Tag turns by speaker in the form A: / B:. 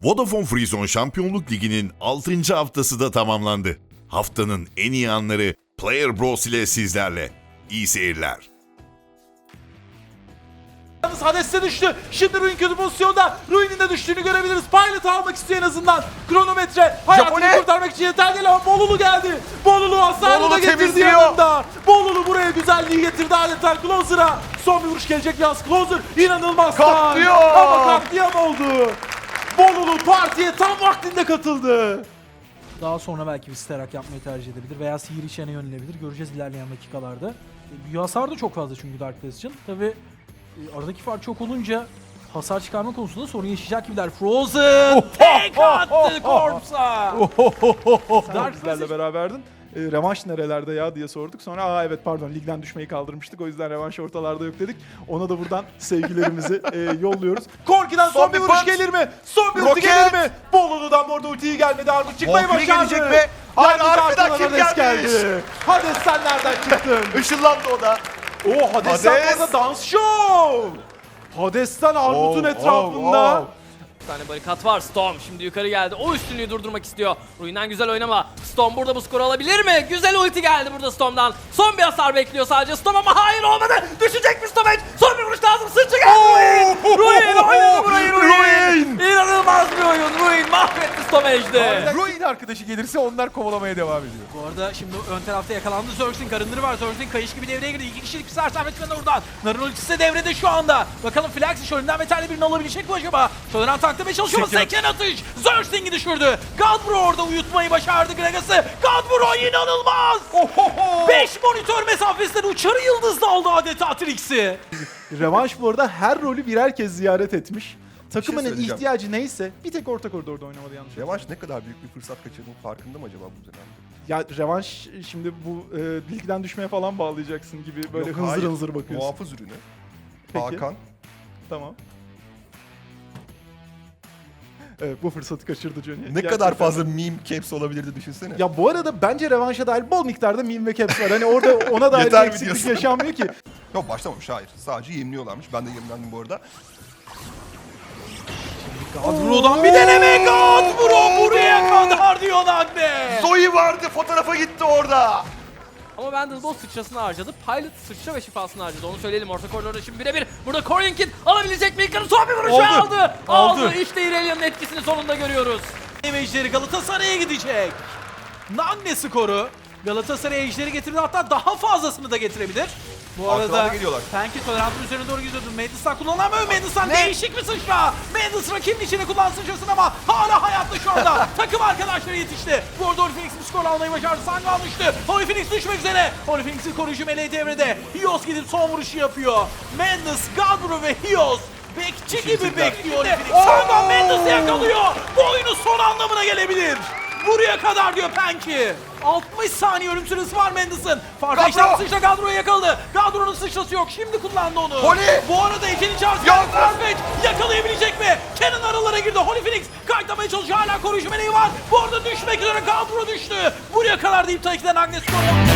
A: Vodafone Freezone Şampiyonluk Ligi'nin 6. haftası da tamamlandı. Haftanın en iyi anları Player Bros ile sizlerle. İyi seyirler.
B: Hades'e düştü. Şimdi Ruin kötü pozisyonda. Ruin'in de düştüğünü görebiliriz. Pilot almak istiyor en azından. Kronometre hayatını
C: Japone.
B: kurtarmak için yeter değil ama Bolulu geldi. Bolulu hasarını
C: Bolulu
B: da getirdi
C: temizliyor.
B: yanında. Bolulu buraya güzelliği getirdi adeta Closer'a. Son bir vuruş gelecek yalnız Closer. İnanılmaz
C: Katlıyor.
B: Ama katliam oldu. Bolulu partiye tam vaktinde katıldı. Daha sonra belki bir sterak yapmayı tercih edebilir veya sihir içine yönelebilir. Göreceğiz ilerleyen dakikalarda. Büyü hasar da çok fazla çünkü Dark Pass için. Tabi aradaki fark çok olunca hasar çıkarma konusunda sorun yaşayacak gibiler. Frozen tek attı Corpse'a.
D: Bizlerle beraberdin. Revanş nerelerde ya diye sorduk. Sonra evet pardon ligden düşmeyi kaldırmıştık. O yüzden revanş ortalarda yok dedik. Ona da buradan sevgilerimizi yolluyoruz.
B: Korki'den son bir vuruş
C: punch.
B: gelir mi? Son bir ulti
C: Roket.
B: gelir mi? Bolulu'dan bu arada ultiyi gelmedi. Armut çıkmayı
C: Valkyrie
B: başardı.
C: gelecek mi? Hayır,
B: Yalnız
C: arkadan
B: arkadan
C: kim
B: Hades
C: gelmiş?
B: geldi. Hades sen nereden çıktın?
C: Işınlandı o da.
B: Oo Hades'ten
C: Hades.
B: bu arada dans show. Hades'ten Armut'un etrafında.
E: Bir tane barikat var. Storm şimdi yukarı geldi. O üstünlüğü durdurmak istiyor. Ruin'den güzel oynama. Storm burada bu skoru alabilir mi? Güzel ulti geldi burada Storm'dan. Son bir hasar bekliyor sadece Storm ama hayır olmadı. Düşecek mi Storm? Son bir vuruş lazım. Sırtı geldi Ruin. Ruin oynadı burayı Ruin. İnanılmaz bir oyun. Ruin mahvetti Stormage'de.
C: Ruin arkadaşı gelirse onlar kovalamaya devam ediyor.
B: Bu arada şimdi ön tarafta yakalandı. Zerx'in karınları var. Zerx'in kayış gibi devreye girdi. 2 kişilik bir sersemlet kanı oradan. Nar'ın ultisi de devrede şu anda. Bakalım Flaxi şöyle metalli birini alabilecek mi acaba? Tolerant tanklamaya çalışıyor. Seken atış. Zerx'in'i düşürdü. Galbro orada uyutmayı başardı Gragas'ı. Galbro inanılmaz. 5 monitör mesafesinden uçarı yıldızla aldı adeta Trix'i.
D: Revanş bu arada her rolü birer kez ziyaret etmiş. Takımının
C: söyleyeceğim.
D: ihtiyacı neyse bir tek orta koridorda oynamadı yanlış.
C: Revanş ne kadar büyük bir fırsat kaçırdığının farkında mı acaba bu dönemde?
D: Ya revanş şimdi bu ligden düşmeye falan bağlayacaksın gibi böyle
C: Yok,
D: hınzır
C: hayır.
D: hınzır bakıyorsun.
C: Muhafız ürünü.
D: Peki.
C: Hakan.
D: Tamam. Evet bu fırsatı kaçırdı Johnny.
C: Ne
D: Gerçekten.
C: kadar fazla meme caps olabilirdi düşünsene.
D: Ya bu arada bence revanşa dair bol miktarda meme ve caps var. Hani orada ona dair
C: Yeter
D: bir
C: mi
D: eksiklik
C: diyorsun?
D: yaşanmıyor ki.
C: Yok başlamamış hayır. Sadece yemliyorlarmış. Ben de yemlendim bu arada.
B: Gadbro'dan bir deneme. Gadbro buraya kadar diyor Nagne.
C: Zoe vardı fotoğrafa gitti orada.
E: Ama Vandal sıçrasını harcadı. Pilot sıçra ve şifasını harcadı. Onu söyleyelim. Orta koridorda şimdi birebir. Burada Coriolan'kin alabilecek mi? İlkan'ın son bir vuruşu aldı. Aldı. İşte İrelia'nın etkisini sonunda görüyoruz.
B: Ejderi Galatasaray'a gidecek. Nagne skoru. Galatasaray ejderi getirdi, hatta daha fazlasını da getirebilir. Bu
C: Arkadan
B: arada
C: geliyorlar.
B: Penki tolerantın üzerine doğru gidiyordu. Madis'tan kullanamıyor. Madis'tan değişik bir sıçra. Madis rakibin içine kullan sıçrasını ama hala hayatta şu anda. Takım arkadaşları yetişti. Bu arada Holy Phoenix bir skor almayı başardı. Sangha almıştı. Holy Phoenix düşmek üzere. Holy Phoenix'in koruyucu meleği devrede. Hios gidip son vuruşu yapıyor. Mendes, Gadbro ve Hios bekçi gibi bekliyor Holy Phoenix. Sangha Mendes'i yakalıyor. Bu oyunun son anlamına gelebilir. Buraya kadar diyor Penki. 60 saniye ölüm süresi var Mendes'in. Farklı işlem sıçra Gadro'yu yakaladı. Gadro'nun sıçrası yok. Şimdi kullandı onu.
C: Holy!
B: Bu arada Ece'nin çarpısı
C: Yalnız!
B: Farfetch yakalayabilecek mi? Kenan aralara girdi. Holy Phoenix kayıtlamaya çalışıyor. Hala koruyucu meleği var. Bu arada düşmek üzere Gadro düştü. Buraya kadar deyip tabii ki de Agnes skoru.